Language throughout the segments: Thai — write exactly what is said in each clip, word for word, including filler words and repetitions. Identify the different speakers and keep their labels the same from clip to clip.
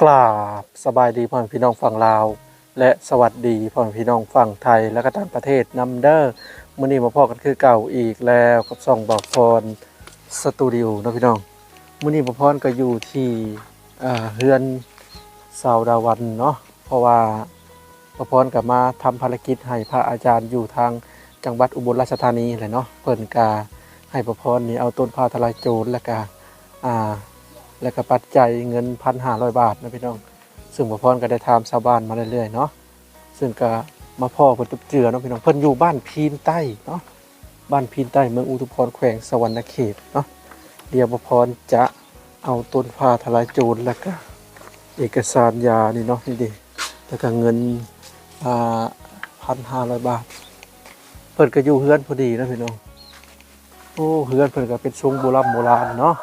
Speaker 1: กราบสบายดีพ่อแม่พี่น้องฝั่งลาวและสวัสดีพ่อแม่พี่น้องฝั่งไทยและก็ต่างประเทศนำเด้อมื้อนี้มาพบกันคือเก่าอีกแล้วกับช่องบ่าวพรสตูดิโอเนาะพี่น้องมื้อนี้บ่าวพรก็อยู่ที่อ่าเฮือนสาวดาวันเนาะเพราะว่าบ่าวพรก็มาทำภารกิจให้พระอาจารย์อยู่ทางจังหวัดอุบลราชธานีแหละเนาะเพิ่นก็ให้บ่าวพรนี่เอาต้นผ้าทลายโจรแล้วก็อ่าแล้วก็ปัจจัยเงิน หนึ่งพันห้าร้อย บาทนะพี่น้องซึ่งบ่าวพรก็ได้ถามชาวบ้านมาเรื่อยๆเนาะซึ่งก็มาพ่อเพิ่นตุบเจือเนาะพี่น้องเพิ่นอยู่บ้านพีนใต้เนาะบ้านพีนใต้เมืองอุทุมพรแขวงสวรรณเขตเนาะเดี๋ยวบ่าวพรจะเอาต้นผ้าทลายโจรแล้วก็เอกสารยานี่เนาะนี่ดิแล้วก็เงินอ่า หนึ่งพันห้าร้อย บาทเพิ่นก็อยู่เฮือนพอดีนะพี่น้องโอ้เฮือนเพิ่นก็เป็นทรงโบราณโบราณเนาะ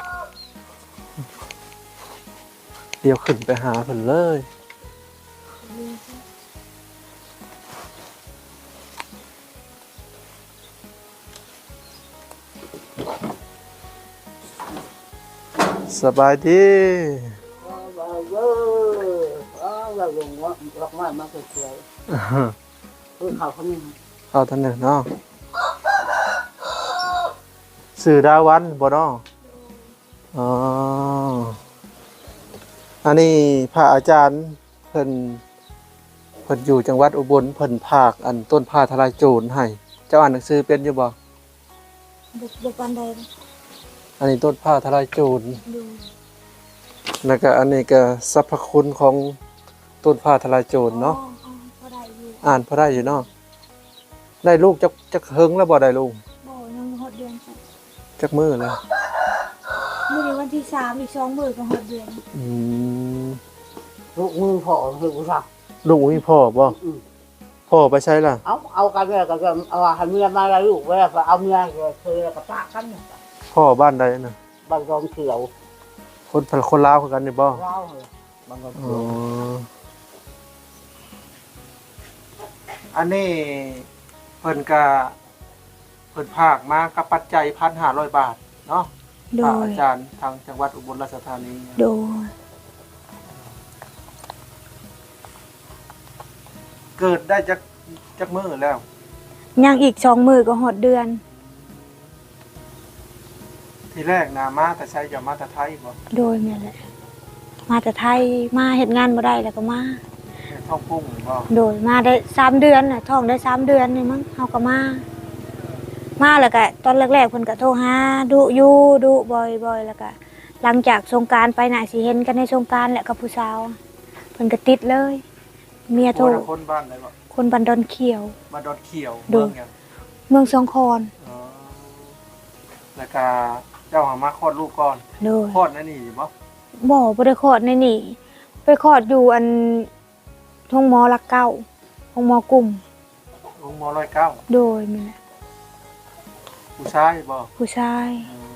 Speaker 1: เดี๋ยวขึ้นไปหาเพิ่นเลยสบายดีเอาท่านหนึ่งเนาะสื่อดาวันบ่เนาะอ๋ออันนี้พระอาจารย์เพิ่นเพิ่นอยู่จังหวัดอุบลเพิ่นภาคอันต้นผ้าทลายโจรให้เจ้าอ่านหนังสือเป็นอยู่บ่
Speaker 2: บ่ปานใด
Speaker 1: อันนี้ต้นผ้าทลายโจรแล้วก็อันนี้ก็สรรพคุณของต้นผ้าทลายโจรเนาะอ่านพอได้อยู่เนาะได้ลูกจักจักเฮิงแล้วบ่ได้ลูก
Speaker 2: บ่ยังหกเดือน
Speaker 1: จักมื้อแล้ว
Speaker 2: มื้อนี้วันที่สามอีกสองมื้อก็หกเดือน
Speaker 1: อืม
Speaker 3: ลูกมือพ่อคือกูสั่ง
Speaker 1: ลูกมีพ่อบ่พ่อไปใช้ล่ะ
Speaker 3: เอาเอากันเลยก็เอาให้เมียมาแล้วลูกไว้แล้วเอาเมียเคยแล้วก็ปะกัน
Speaker 1: พ่อบ้านใดน่ะ
Speaker 3: บ้านรองเขียว
Speaker 1: คนคนลาวคือกันนี่บ่
Speaker 3: ลาวบ้านรองเขียว
Speaker 1: อันนี้เพิ่นก็เพิ่นภาคมากับปัจจัย หนึ่งพันห้าร้อย บาทเนาะ
Speaker 2: โดย
Speaker 1: อาจารย์ทางจังหวัดอุบลราชธานี
Speaker 2: โดย
Speaker 1: เกิดได้จักจักมื้อแล้ว
Speaker 2: ยังอีกสองมื้อก็หกเดือน
Speaker 1: ทีแรกนะมาแต่ใช้จะมาแต่ไทยบ่
Speaker 2: โดยแม่แหละมาแต่ไทยมาเฮ็ดงานบ่ได้แล้วก็มา
Speaker 1: ท้องพุ่งบ่
Speaker 2: โดยมาได้สามเดือนน่ะท้องได้สามเดือนนี่มั้งเฮาก็มามาแล้วก็ตอนแรกๆเพิ่นก็โทรหาดุอยู่ดุบ่อยๆแล้วก็หลังจากสงกรานต์ไปน่ะสิเห็นกันในสงกรานต์แหละกับผู้สาวเพิ่นก็ติดเลยเมียโทร
Speaker 1: คนบ้านไหนบ่
Speaker 2: คนบ้านดอนเขียว
Speaker 1: บ้านดอนเขียวเมืองหยัง
Speaker 2: เมืองสองคอน
Speaker 1: อ๋อแล้วก็เจ้าหามาคลอดลูกก่อน
Speaker 2: โดย
Speaker 1: คลอดนั่นนี่บ่
Speaker 2: บ่บ่ได้คลอดในนี่ไปคลอดอยู่อันโรงหมอหลักเก้าโรงหมอกลุ่ม
Speaker 1: โรงหมอร้อยเก้า
Speaker 2: โดยแม่นแหละ
Speaker 1: ผู้ชายบ่
Speaker 2: ผู้ชาย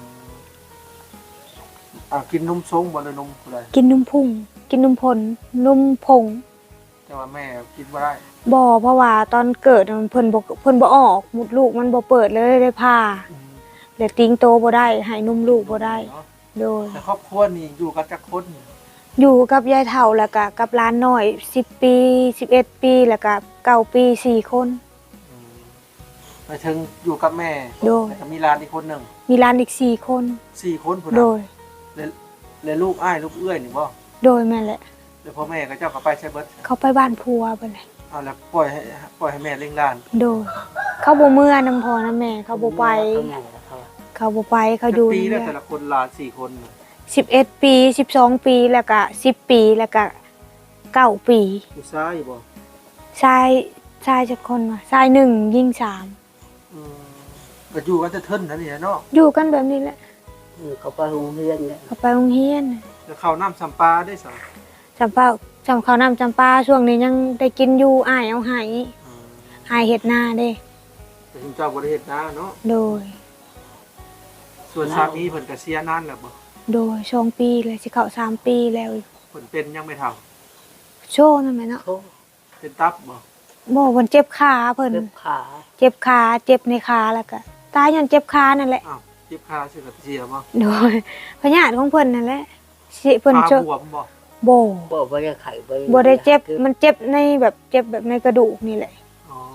Speaker 1: อ่ากินนมสงบ่ได้นมผู้ใด
Speaker 2: กินนมพุ่งกินนมผลนมผง
Speaker 1: แต่ว่าแม่กินบ่ได้
Speaker 2: บ่เพราะว่าตอนเกิดเพิ่นบ่เพิ่นบ่ออกมดลูกมันบ่เปิดเลยได้ผ่าแล้วติงโตบ่ได้ให้นมลูกบ่ได้โดย
Speaker 1: แต่ครอบครัวนี่อยู่กันจักคน
Speaker 2: อยู่กับยายเฒ่าแล้วก็กับหลานน้อยสิบปีสิบเอ็ดปีแล้วก็เก้าปีสี่คน
Speaker 1: ไปถึงอยู่กับแม่
Speaker 2: โดย
Speaker 1: แล้วก็มีหลานอีกคนนึง
Speaker 2: มีหลานอีกสี่คน
Speaker 1: สี่คนพุ่นน่ะ
Speaker 2: โดย
Speaker 1: แล้วลูกอ้ายลูกเอื้อยนี่บ่
Speaker 2: โดยแม่แหละ
Speaker 1: แล้วพ่อแม่ก็เจ้าก็ไปใช้เบิด
Speaker 2: เขาไปบ้านผัวเพิ่นแหละ
Speaker 1: เอาแล้วปล่อยให้ปล่อยให้แม่เลี้ยงหลาน
Speaker 2: โดยเขาบ่เมื่อนำพ่อนำแม่เขาบ่ไปเขาบ่ไปเขาอยู่
Speaker 1: ปีแล้วแต่ละคนหลานสี่คน
Speaker 2: สิบเอ็ดปีสิบสองปีแล้วก็สิบปีแล้วก็เก้าปี
Speaker 1: ผู้ชายบ่
Speaker 2: ชายชายจักคนว่าชายหนึ่งหญิงสาม
Speaker 1: อืมก็อยู่กันจะเทินนั่นนี่เนาะ
Speaker 2: อยู่กันแบบนี้แหละ
Speaker 3: เขาไปโรงเรียนเนี่ย
Speaker 2: เขาไปโรงเรียน
Speaker 1: แล้วข้าวน้ำสัมปาได้สั่ง
Speaker 2: จำปาจำข้าวน้ำจำปาช่วงนี้ยังได้กินอยู่อ้ายเอาให้อ้ายเฮ็ดนาเด้
Speaker 1: แต่ถึงเจ้าบ่ได้เฮ็ดนาเนาะ
Speaker 2: โดย
Speaker 1: ส่วนสามีเพิ่นก็เสียนานแล้วบ่
Speaker 2: โดยสองปีเลยสิเข้าสามปีแล้ว
Speaker 1: เพิ่นเป็นยังไม่เฒ่า
Speaker 2: โชนั่นแหละเนาะ
Speaker 1: เป็นตับบ่
Speaker 2: บ่เพิ่นเจ็บขาเพิ่น
Speaker 3: เจ็บขา
Speaker 2: เจ็บขาเจ็บในขาแล้วก็ตายย้อนเจ็บขานั่นแหละ
Speaker 1: อ้าวเจ็บขาสิก็เสียบ่
Speaker 2: โดยพญาติของเพิ่นนั่นแหละสิเพิ่น
Speaker 1: ขาบวมบ่
Speaker 2: โบ
Speaker 3: บ่บ่ได้ไข่บ่
Speaker 2: บ่ได้เจ็บมันเจ็บในแบบเจ็บแบบในกระดูกนี่แหละ
Speaker 1: อ๋อ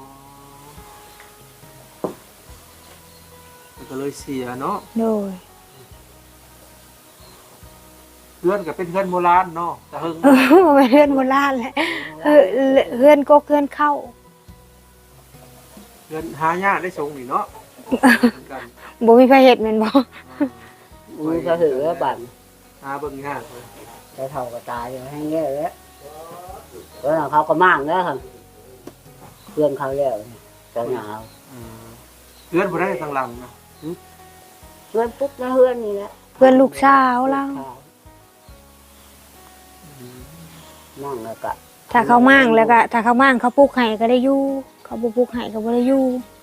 Speaker 1: มันก็เลยเสียเนาะ
Speaker 2: โดย
Speaker 1: เพื่อนก็เป็นเพื่อนโบราณเนาะแต่เฮิง
Speaker 2: เออบ่แม่นเฮือนโบราณแหละเออเฮือนก็เฮือนเข้า
Speaker 1: เพื่อนหายากได้ชงนี่เนาะเหมือนกัน
Speaker 2: บ่มีไผเฮ็ดแม่นบ่
Speaker 3: มือก็ถือว่าบั่น
Speaker 1: หาเบิ่งยากเลย
Speaker 3: แต่เท่าก็ตายอยู่ให้เงี้ยแล้วแล้วเขาก็มั่งแล้วครับเพื่อนเขาแล้วเจ้าหนาว
Speaker 1: อืมเพื่อนบ่ได้ทางหลังนะ
Speaker 3: เพื่อนปุ๊บแล้วเพื่อนนี่แหละ
Speaker 2: เพื่อนลูกสาวเรา
Speaker 3: มั่งแล้วก็
Speaker 2: ถ้าเขามั่งแล้วก็ถ้าเขามั่งเขาปลูกให้ก็ได้อยู่เขาบ่ปลูกให้ก็บ่ได้อยู่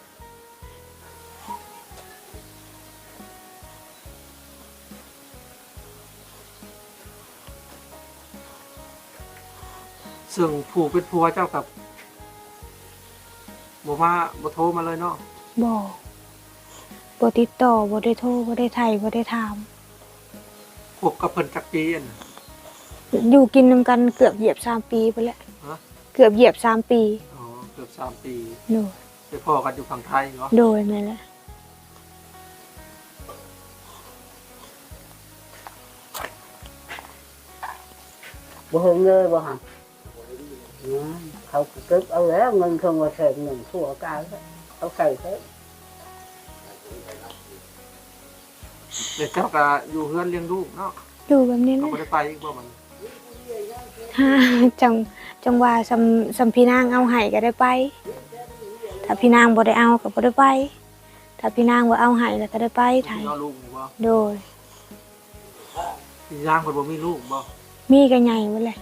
Speaker 1: ซึ่งผู้เป็นผัวเจ้ากับบ่มาบ่โทรมาเลยเนาะ
Speaker 2: บ่บ่ติดต่อบ่ได้โทรบ่ได้ไถบ่ได้ถาม
Speaker 1: พบกับเพิ่นจักปีอันน่ะ
Speaker 2: อยู่กินนำกันเกือบเหยียบสามปีไปแล้ว
Speaker 1: ฮะ
Speaker 2: เกือบเหยียบสามปี
Speaker 1: อ๋อเกือบสามปี
Speaker 2: โดย
Speaker 1: ไปพ่อกันอยู่ฝั่งไทยเนาะ
Speaker 2: โดยแม่นแหละ
Speaker 3: บ่เฮงเลยบ่หันเขาเก็บเอาแล้วเงินเขามาใส่เงินทั่วกายเอาใส่เถอะ
Speaker 1: เด็กเจ้าก็อยู่เฮือนเลี้ยงลูกเนาะ
Speaker 2: อยู่แบบนี้แห
Speaker 1: เขา
Speaker 2: ละ
Speaker 1: บ่ได้ไปอีกบ่มัน
Speaker 2: ฮ่าจังจังว่าสำสำพี่นางเอาให้ก็ได้ไป ถ้าพี่นางบ่ได้เอาก็บ่ได้ไป ถ้าพี่นางบ่เอาให้แล้วก็ได้ไปไถ
Speaker 1: พี่น้องลูกนี่บ่
Speaker 2: โดย
Speaker 1: พี่ย่างเพิ่นบ่มีลูกบ่
Speaker 2: มีก็ใหญ่หมดเลย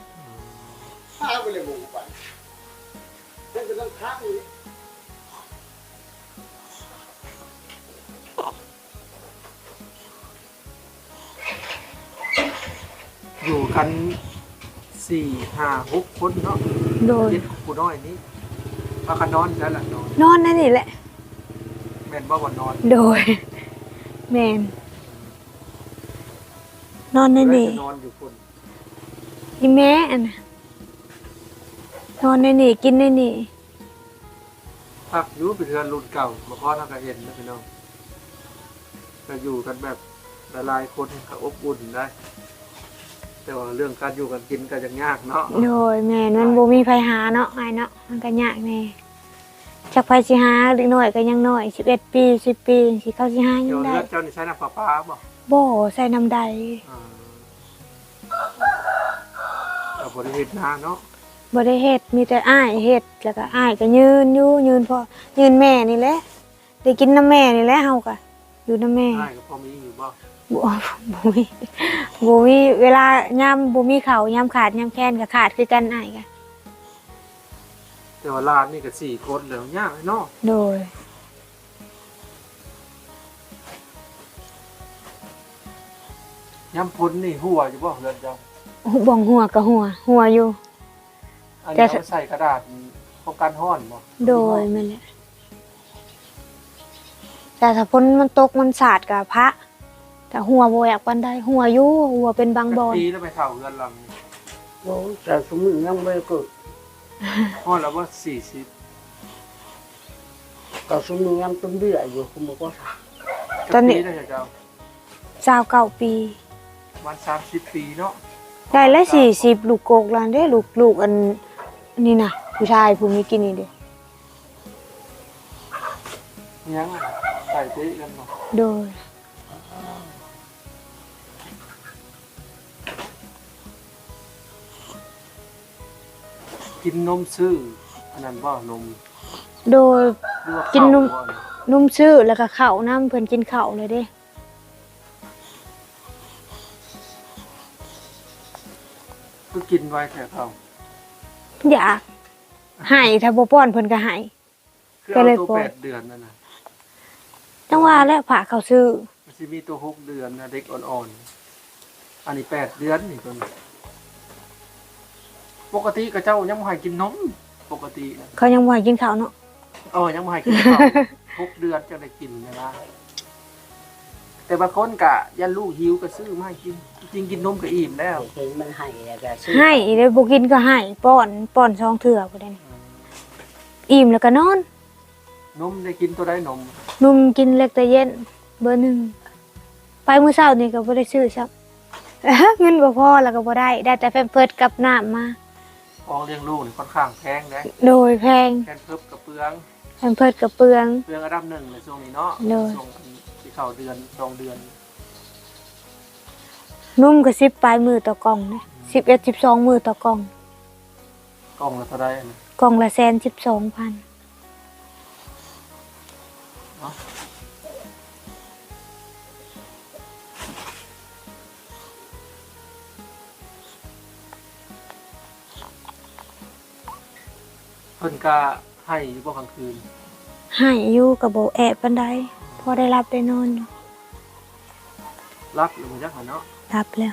Speaker 1: อยู่กันสี่ห้าหกคนเนาะ
Speaker 2: โดย
Speaker 1: เด็กผู้น้อยนี้พากันนอนแล้วล่ะนอน
Speaker 2: นอนนั่นนี่แหละ
Speaker 1: แม่นบ่ว่านอน
Speaker 2: โดย แม่นนอนนั่น
Speaker 1: แล้ว
Speaker 2: นี่
Speaker 1: จะนอนอยู่คน
Speaker 2: อีแม่อันน่ะนอนนั่นนี่กินนั่นนี่
Speaker 1: พักอยู่เป็นเรือนรุ่นเก่าบ่พอทางก็เห็นนะพี่น้องก็อยู่กันแบบหลายๆคนก็อบอุ่นได้ แต่ว่าเรื่องการอยู่กันกินก็ยังยากเนาะ
Speaker 2: โดยแม่นมันบ่มีไผหาเนาะอ้ายเนาะมันก็ยากแน่จักไผสิหาเด็กน้อยก็ยังน้อยสิบเอ็ดปีสิบปีสิเขาสิหายั
Speaker 1: เดี๋ยว
Speaker 2: งได้
Speaker 1: เลือดเจ้านี่ใช้น้ำประปาบ่
Speaker 2: บ่ใส่น้ำใด
Speaker 1: อ่าก็บ่ได้เฮ็ดนาเนาะ
Speaker 2: บ่ได้เฮ็ดมีแต่อ้ายเฮ็ดแล้วก็อ้ายก็ยืนอยู่ยืนพอยืนแม่นี่แหละได้กินน้ำแม่นี่แหละเฮาก็อยู่น้ำแม่
Speaker 1: ได้ก็พอมีอยู่บ่
Speaker 2: บ่บ่มีบ่มีเวลายามบ่มีข้าวยามขาดยามแค้นก็ขาดคือกันอ้ายก็
Speaker 1: แต่ว่าลานนี่ก็สี่คนแล้วยากเนาะ
Speaker 2: โดย
Speaker 1: ยามพ้นนี่หัวอยู่บ่เรือนเจ้า
Speaker 2: บ่งหัวก็หัวหัวอยู่
Speaker 1: อัน
Speaker 2: แต่
Speaker 1: นี้เอาใส่กระดาษป้องกันร้อนบ่
Speaker 2: โดยแม่นแหละแต่ถ้าฝนมันตกมันสาดก็พระแต่หัวบ่อยากปานใดหัวอยู่หัวเป็นบางบอน
Speaker 1: ปีแล้วไปเข้าเรือนหลังนี่
Speaker 3: โอ้แต่สมมือยังไม่เกิด
Speaker 1: ฮอดแล้วว่าสี่สิบ
Speaker 3: ก็สมมือยังเป็นเดืออยู่คุณบอกว่า
Speaker 2: ตอนนี้
Speaker 1: จักปีแล้วเจ้า
Speaker 2: สาวเก้าปี
Speaker 1: ประมาณสามสิบปีเนาะ
Speaker 2: ได้ละสี่สิบลูกโกกแล้วเด้ลูกลูกอันนี่น่ะผู้ชายผู้มีกินนี่เด้
Speaker 1: ยังอะใส่เตะกันเนาะ
Speaker 2: โดย
Speaker 1: กินนมซื้ออันนั้นบ่นม
Speaker 2: โดย
Speaker 1: หรือว่า
Speaker 2: กินนม
Speaker 1: ข้าวบ่
Speaker 2: นุ่มชื่อแล้วก็ข้าวน้ำเพิ่นกินข้าวเลยเด้
Speaker 1: คือกินไว้แค่เขา
Speaker 2: อยากให้ถ้าบ่ป้อนเพิ่นก็ให้
Speaker 1: คือ
Speaker 2: ก็
Speaker 1: เอา
Speaker 2: เลย
Speaker 1: ตัว
Speaker 2: ปล่อย
Speaker 1: แปดเดือนนั่นน่ะ
Speaker 2: จังว่าแล้วผ่าเขาซื้อ
Speaker 1: มันสิมีตัวหกเดือนนะเด็กอ่อนๆอันนี้แปดเดือนนี่ตัวนี้ปกติกับเจ้ายังบ่ให้กินนมปกตินะ
Speaker 2: เขายังบ่ให้กินข้าวเนาะ
Speaker 1: เออยังบ่ให้กินข้าว หกเดือนจะได้กินนะนะแต่บางคนกะยันลูกหิวก็ซื้อมาให้กินจริงกินนมก็อิ่มแล้ว
Speaker 3: เห็นมันให้แล้วก็ซื้อ
Speaker 2: ให้อีเด้บ่กินก็ให้ป้อนป้อนซองเถื่อบ่ได้นี่อิ่มแล้วก็นอน
Speaker 1: นมได้กินตัวได้นม
Speaker 2: นุ่มกินเล็กแต่เย็นเบอร์หนึ่งไปมื้อเช้านี่ก็บ่ได้ซื้อซัก เงินบ่พอแล้วก็บ่ได้ได้แต่แพมเพิร์สกับน้ำมา
Speaker 1: ออกเลี้ยงลูกนี่ค่อนข้างแพงนะ
Speaker 2: โดยแพง
Speaker 1: แพงเพิ่มกับเปลือง
Speaker 2: แพมเพิร์สกับเปลือง
Speaker 1: เปลืองอันดับหนึ่งในช่วงนี้เนาะ
Speaker 2: เลย
Speaker 1: ช่วงที่เข้าเดือนสองเดือน
Speaker 2: นุ่มก็สิบปลายมือต่อกล่องนะสิบเอ็ดสิบสองมือต่อกล่อง
Speaker 1: กล่องละเท่าไหร่นะ
Speaker 2: กล่องละแสนสิบสองพัน
Speaker 1: เนาะเพิ่นก็ให้อยู่บ่กลางคืน
Speaker 2: ให้อยู่กับโบแอบปันไดพอได้รับได้นอนอยู่
Speaker 1: รับหรือบ่จักหั่นเนาะ
Speaker 2: รับแล้ว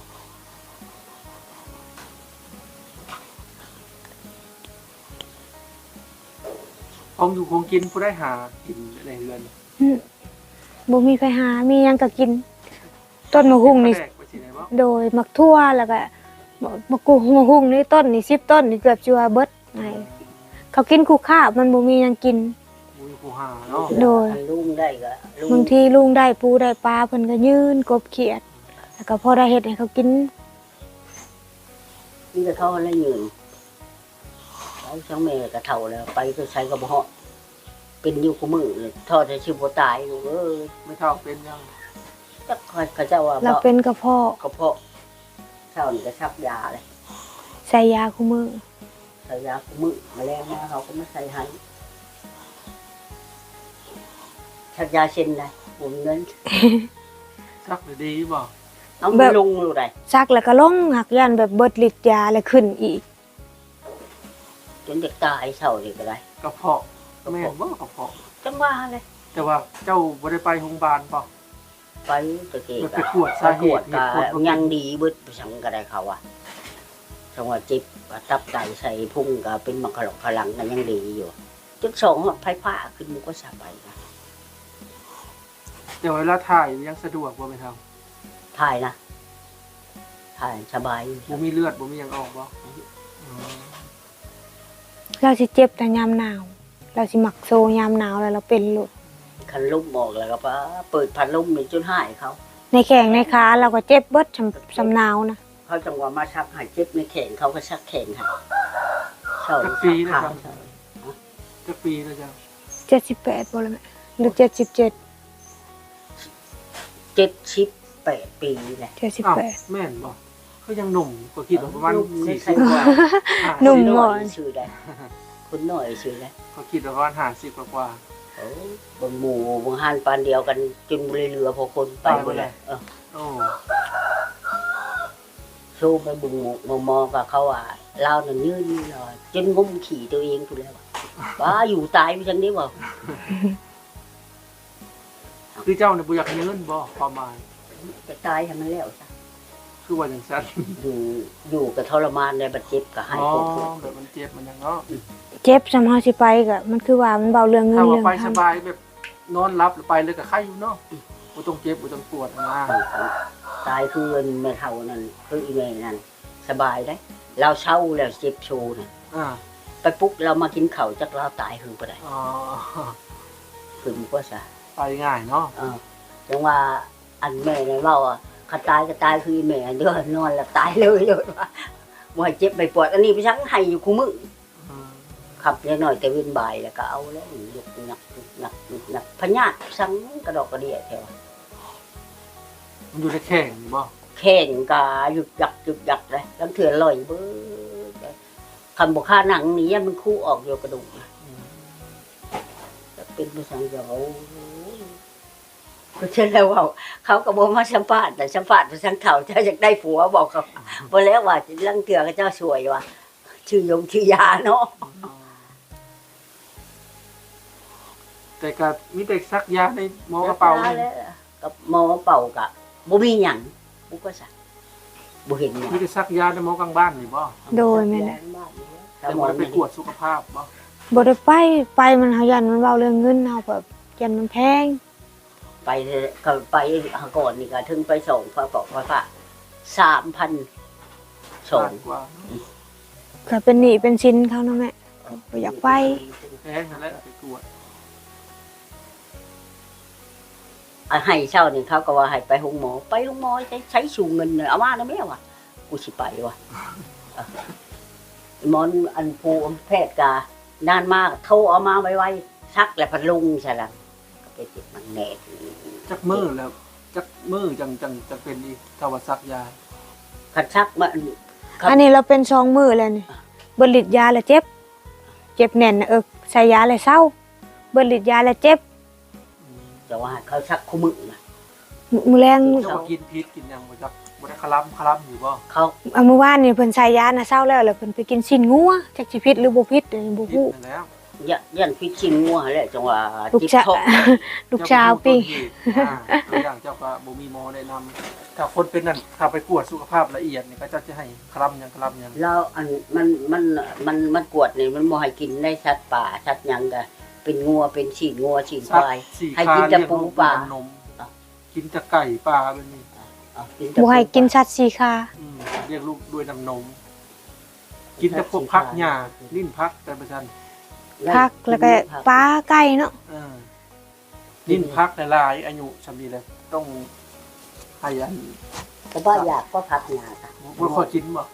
Speaker 1: ของอยู่คงกินผู้ได้หากินในเรือน
Speaker 2: อื้อบ่มีไปหา มีหยังก็กิน ต้นมะฮุ่งนี่
Speaker 1: แปลกไปสิไหนบ่
Speaker 2: โดยมักทั่วแล้วก็มะกูมะฮุ่งนี่ต้นนี่สิบต้นนี่เกือบสิว่าเบิดไงเขากินคู่ข้าวมันบ่มีหยังกิน
Speaker 1: มุ้ยผู้หาเนาะ
Speaker 2: โดย
Speaker 3: อันลุงได้ก็ลุ
Speaker 2: บางทีลุงได้ปูได้ปลาเพิ่นก็ยืนกบเขียด แล้วก็พอได้เฮ็ดให้เขากิน
Speaker 3: นี่ก็เขาแล้วยืนไปช่างแม่ก็เฒ่าแล้วไปก็ใช้ก็บ่ฮอดเป็นอยู่กูมือเลยทอดให้ชื่อบ่ตายอยู่เอ้ย
Speaker 1: ไม่เท่าเป็นยัง
Speaker 3: จักเขาเจ้าว่า
Speaker 2: เรา
Speaker 3: บ่
Speaker 2: เป็นกระเพาะ
Speaker 3: กระเพาะเช้านี่ก็ชักยาเลย
Speaker 2: ใส่ยาคู่มือ
Speaker 3: ใส่ยากูมือมาแล้วมาเขาก็มาใส่ให้ชักยาเช่นได้บ่มีเงิน
Speaker 1: ซักเลยดีบ่
Speaker 3: เอาไปลงอยู่ได้
Speaker 2: ซักแล้วก็ลงหักยันแบบเบิดฤทธิ์ยาแล้วขึ้นอีก
Speaker 3: จนเด็กตายเช้านี่ก็ได้
Speaker 1: กระเพาะแม่นบ่กระเพาะ
Speaker 3: จังว่าเลย
Speaker 1: แต่ว่าเจ้าบ่ได้ไปโรงพยาบาลป่ะ
Speaker 3: ไปตะเกีย
Speaker 1: ไปตรวจสาเหตุ
Speaker 3: ก็
Speaker 1: เหตุผล
Speaker 3: ยังดีเบิดไปสังก็ได้เขาอ่ะจังว่าจิบว่าตับไตใส่พุ่งก็เป็นมังคลอกขลังก็ยังดีอยู่จุดสองไฟฟ้าขึ้นมันก็สบายนะ
Speaker 1: แต่เวลาถ่ายยังสะดวกบ่แม่นทำ
Speaker 3: ถ่ายนะถ่ายสบาย
Speaker 1: บ่มีเลือดบ่มีหยังออกบ่อืม
Speaker 2: เราสิเจ็บแต่ยามหนาว เราสิมักโซยามหนาวแล้วเราเป็นหลุด
Speaker 3: คันลุ่มออกแล้วก็ป้าเปิดพัดลมนี่จนหายเขา
Speaker 2: ในแข้งในขาเราก็เจ็บเบิดสำสำหนาวนะ
Speaker 3: เขาจังว่ามาชักหายเจ็บในแขนเขาก็ชักแขนให้เช่า
Speaker 1: จักปีนะ
Speaker 3: ขา
Speaker 1: ครับจักปีแล้วจ้ะ
Speaker 2: เจ็ดสิบแปดบ่ละแม่หรือเจ็ดสิบเจ็ด
Speaker 3: เจ็ดสิบแปดปีแหละ
Speaker 2: เจ็ดสิบ
Speaker 1: อ้าว
Speaker 2: แปด
Speaker 1: แม่นบ่ก็ยังหนุ่มก็คิดว่าประมาณ
Speaker 3: ลุ่ไม่
Speaker 1: สี่
Speaker 3: ใช่
Speaker 1: สิบก
Speaker 3: ว่า
Speaker 1: ว่า
Speaker 2: หนุ่ม
Speaker 3: ห
Speaker 2: ห
Speaker 3: น่
Speaker 2: น่
Speaker 3: อ
Speaker 2: อย ย
Speaker 3: ชื่อได้คุณหน่อยชื่อได้
Speaker 1: ก็คิดว่าประมาณห้าสิบกว่า
Speaker 3: โอ้บางหมู่บางหันปานเดียวกันจนเรือพอคนไปหมดเลยเออ
Speaker 1: ๆโอ้
Speaker 3: สู้ไปบุงหมู่มองมองกับเขาอ่ะเราเนี่ยยืนนี่เลยจนงมขี่ตัวเองกูแล้วว่าอยู่ตายไปจังนี้บ่
Speaker 1: คือเจ้าเนี่ยบ่อยากยืนบ่ประมาณ
Speaker 3: จะตายทำมันแล้วซะ
Speaker 1: คือว่าจังซั่น
Speaker 3: อยู่อยู่กับทรมานในบาดเจ็บกับหาย
Speaker 1: อ๋อ
Speaker 3: ปวด
Speaker 1: แบบมันเจ็บมันหยังเนาะ
Speaker 2: เจ็บสำเฮาสิไปก็มันคือว่ามันเบาเรื่องเงิน
Speaker 1: ถ้าว่า
Speaker 2: เรื่อง
Speaker 1: ไป
Speaker 2: ท
Speaker 1: สบายแบบนอนหลับหรือไปเลยก็ไข้อยู่เนาะบ่ต้องเจ็บบ่ต้องปวดนะ
Speaker 3: ตายคือแม่เฒ่านั่นคืออีแม่นั่นสบายได้ เราเศร้าแล้วเจ็บโชว์น่ะ
Speaker 1: อ่า
Speaker 3: ไปปุ๊บเรามากินข้าวจักเราตายคือบ่ได้
Speaker 1: อ๋อ
Speaker 3: คือมันก็ซะ
Speaker 1: ไปง่ายเนาะ
Speaker 3: เออจังว่าอันแม่เนี่ยเว้าอ่ะข้าตายก็ตายคืออีแม่เด้อนอนแล้วตายเลยเลยว่าบ่ให้เจ็บไม่ปวดอันนี้ไปทั้งให้อยู่คู่มื้อ
Speaker 1: อืม
Speaker 3: ขับเล็กหน่อยแต่เว้นบ่ายแล้วก็เอาแล้วยกหนักหนักหนักพญาติสังกระดอกกระเดียแถว
Speaker 1: มันอยู่ในแข้งนี่บ่
Speaker 3: แข่งกาหยุดหยักหยุดหยักเลยลังเถื่อลอยเบ้อคำบอกค่าหนังนี้มันคู่ออกอยู่กระดูกนะ
Speaker 1: อืม
Speaker 3: เป็นภาษาเดียวก็เช่นแล้วว่าเขาก็บอกมาสัมภาษณ์แต่สัมภาษณ์ภาษาเขาเจ้าอยากได้ผัวบอกเขาบอกแล้วว่าลังเถื่อก็เจ้าสวยว่ะชื่อยงชื่อยาเนาะ
Speaker 1: แต่ก็มีแต่ซักยาในหมอกระเป๋านี่
Speaker 3: แล้วกับหมอกระเป๋ากับบ่มีหยังบุก็สักบ่เห็นหยัง
Speaker 1: มีแต่ซักยาในหมอกลางบ้านนี่บ่
Speaker 2: ำโดยแม่นแหละ
Speaker 1: แต่บ่ได้ไปตรวจสุขภาพบ่
Speaker 2: บ่ได้ไปไปมันเฮายันมันเบาเรื่องเงินเฮาแบบยันมันแพง
Speaker 3: ไปก็ไปหาก่อนนี่ก็ถึงไปส่งพระปอกพระพระสามพันส่ง
Speaker 1: กว่า
Speaker 2: ก็เป็นหนี้เป็นสินเขาเนาะแม่บ่อยากไป
Speaker 1: แพงนั่นแหละไปกวด
Speaker 3: อ่ะให้เช่านี่เขาก็ว่าให้ไปหงหมอไปหงหมอใช้ใช้สูงเงินเนี่ยเอามาแล้วแม่วะกูสิไปวะอ่ะหมอนอันปูแพทย์กานานมากโทรเอามาไว้ไว้ซักแล้วพัดลุงใช่ละก็ไปติดมันแน่
Speaker 1: จักมือแล้วจักมือจังจังจังเป็นอีกถ้าว่าซักยา
Speaker 3: คันซักมัน ครับ
Speaker 2: อันนี้เราเป็นสองมือแล้วนี่เบิดฤทธิ์ยาแล้วเจ็บ เจ็บแน่นนะเออใส่ยาแล้วเศร้าเบิดฤทธิ์ยาแล้วเจ็บ
Speaker 3: แต่ว่าเขาซักคู่มือนะ
Speaker 2: มือแรง
Speaker 1: เจ้าว่ากินพิษกินหยังบ่จักบ่ได้คลำคลำอยู่บ่
Speaker 3: เขา
Speaker 2: เอาเมื่อวานนี่เพิ่นใส่ยาน่ะเศร้าแล้วแล้วเพิ่นไปกินสิ้นงัวจักสิพิษหรือบ่พิษอันนี้บ่
Speaker 1: พิษ
Speaker 2: ฮู้
Speaker 1: นั่นแล้ว
Speaker 3: ย่าย่านพิชชิงงัวแหละจังหวะ
Speaker 2: ลูก
Speaker 3: จิบ
Speaker 2: ชา
Speaker 3: ทก
Speaker 2: ลูกชาวปิ้ง
Speaker 1: อ่าตัวอย่างเจ้าก็บ่มีหมอแนะนำถ้าคนเป็นนั่นถ้าไปกวดสุขภาพละเอียดนี่ก็เจ้าจะให้คลำหยังคลำหยัง
Speaker 3: แล้วอันมันมันมันมันกวดนี่มันบ่ให้กินได้ชัดป่าชัดหยังก็เป็นงัวเป็นฉีดงัวฉีดควาย
Speaker 1: สี่
Speaker 3: ให้
Speaker 1: คา
Speaker 3: กินแต่
Speaker 1: เรีย
Speaker 3: ปูปลา
Speaker 1: ว่นมกินแต่ไก่ปลาแบบนี้
Speaker 3: เอากินแต่
Speaker 2: บ่ให้กินสัตว์สีขา
Speaker 1: อืมเรียกลูกด้วยน้ำนม กินแต่พวกพักหญ้าลิ้นพักแต่ประชัน
Speaker 2: ผักแล้วก็ปลาไก่เนาะ
Speaker 1: เออลิ้นพักหลายๆอายุสำนีเลยต้องให้อัน
Speaker 3: ก็บ่อยากก็พักหญ้าค่ะ
Speaker 1: บ่ค่อยกินบ่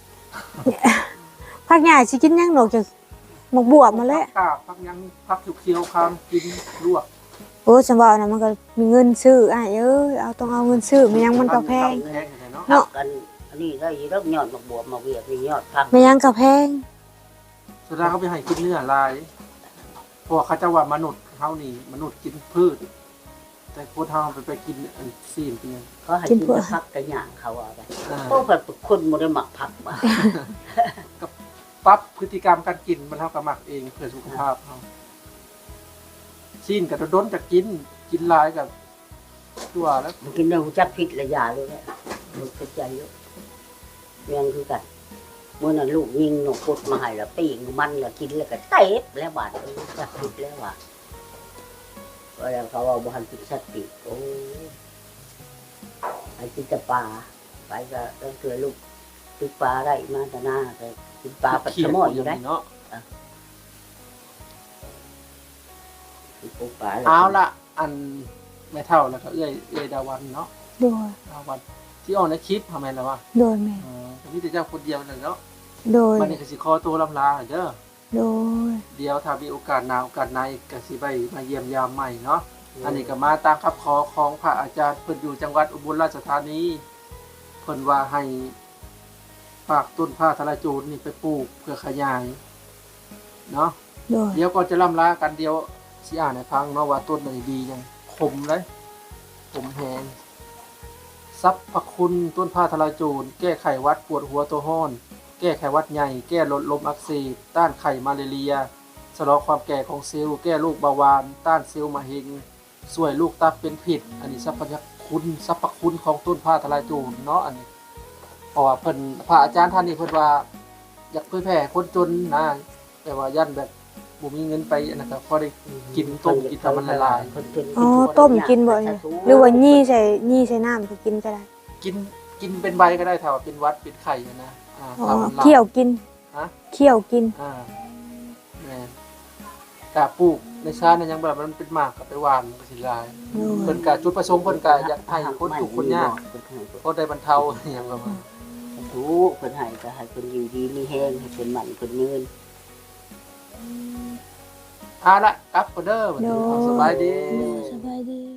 Speaker 2: ผักหญ้าสิกินหยังนอกจากหมกบวบมาแล้ว
Speaker 1: พักกาบพักหยังพักเขียวๆคามกินลวก
Speaker 2: โอ้ฉันบอกนะมันก็มีเงินซื้ออ้ายเอ้ยเอาต้องเอาเงินซื้อมันยังมันก็แพง
Speaker 1: แพงอยู่เนาะ
Speaker 2: เนาะ
Speaker 3: กันอันนี้ได้ยอดยอดมาบวบมาเวียกนี่ยอดพัก
Speaker 2: มันยังก็แพง
Speaker 1: สุดท้ายเขาไปให้กินเนื้อลายเพราะว่าเขาจะว่ามนุษย์เฮานี่มนุษย์กินพืช แต่คนเฮาไปไปกินอันซีนเป็นหยัง
Speaker 3: เขาให้กินแต่พักแต่หญ้าเขาว่าไป
Speaker 1: อ่า
Speaker 3: เพราะว่าคนบ่ได้มักผักมา
Speaker 1: ปรับพฤติกรรมการกินมันเท่ากับหมักเองเพื่อสุขภาพเราซีนกับโดนๆจะกินกินหลายกับตัวแล้ว
Speaker 3: มันกินแล้วรู้จักผิดและยาเลยแหละมันเข้าใจเยอะเรื่องคือกันเมื่อนั้นลูกยิงหนกพุดมาให้แล้วปีงมันแล้วกินแล้วก็เตะแล้วบาดเออจักผิดแล้วว่ะก็แล้วเขาเอาบ่ทันกินสัตว์ปีกโอ้ไอ้กินแต่ปลาไปก็ต้องเตือนลูกกินปลาได้มาแต่หน้าแต่กินปลาปัดสมออยู่ได้
Speaker 1: เนาะ
Speaker 3: กินปูปลาแล้ว
Speaker 1: เอาละอันแม่เท่าแล้วก็เอื้อยเอื้อยดาวันเนาะ
Speaker 2: โดย
Speaker 1: ดาวันที่ออกในคลิปทำไมล่ะวะ
Speaker 2: โดยแม่
Speaker 1: อ๋อมีแต่เจ้าคนเดียวนั่นเนาะ
Speaker 2: โดย
Speaker 1: วันนี้ก็สิขอตัวลำลาเด้อ
Speaker 2: โดย
Speaker 1: เดี๋ยวถ้ามีโอกาสหน้าโอกาสในก็สิไปมาเยี่ยมยามใหม่เนาะอันนี้ก็มาตามคำขอของพระอาจารย์เพิ่นอยู่จังหวัดอุบลราชธานีเพิ่นว่าให้ฝากต้นผ้าทะลายโจรนี่ไปปลูกเพื่อขยายเนาะ
Speaker 2: โดย
Speaker 1: เดี๋ยวก่อนจะล่ำลากันเดียวสิอ่านให้ฟังเนาะว่าต้นไหนดียังคมเลยคมแหงสรรพคุณต้นผ้าทะลายโจรแก้ไขหวัดปวดหัวตัวห้อน แก้ไขหวัดใหญ่แก้ลดลมอักเสบต้านไข้มาลาเรียชะลอความแก่ของเซลล์แก้โรคเบาหวานต้านเซลล์มะเร็งช่วยลูกตับเป็นผิด อันนี้สรรพคุณสรรพคุณของต้นผ้าทะลายโจรเนาะอันนี้เพราะว่าเพิ่นพระอาจารย์ท่านนี้เพิ่นว่าอยากเผยแผ่คนจนนะแต่ว่ายันแบบบ่มีเงินไปอันนั้นก็พอได้กินต้มกินทำมันละลาย
Speaker 2: อ๋อต้มกินบ่อยหรือว่ายี่ใส่ยี่ใส่น้ำก็กินก็ได้
Speaker 1: กินกินเป็นใบก็ได้ถ้าว่าเป็นหวัดเป็นไข้นะอ่า
Speaker 2: อ๋อ
Speaker 1: ถ้ามันลา
Speaker 2: เคี่ยวกิน
Speaker 1: ฮะ
Speaker 2: เคี่ยวกิน
Speaker 1: อ่าแม่นกะปลูกในชาตินั้นยังแบบมันเป็นหมากกับไปหวานมันก็สิลาย
Speaker 2: โดย
Speaker 1: เพิ่นกะจุดประสงค์เพิ่นกะอยากให้คนทุกข์คนยากก็ได้บรรเทาอหย่างประมาณ
Speaker 3: ทุกคนให้ก็ให้คนอยู่ดีมีแห้งให้คนหมั่นคนยืน
Speaker 1: เอาละกลับก็เด้อบัดนี้สบายดี
Speaker 2: สบายดี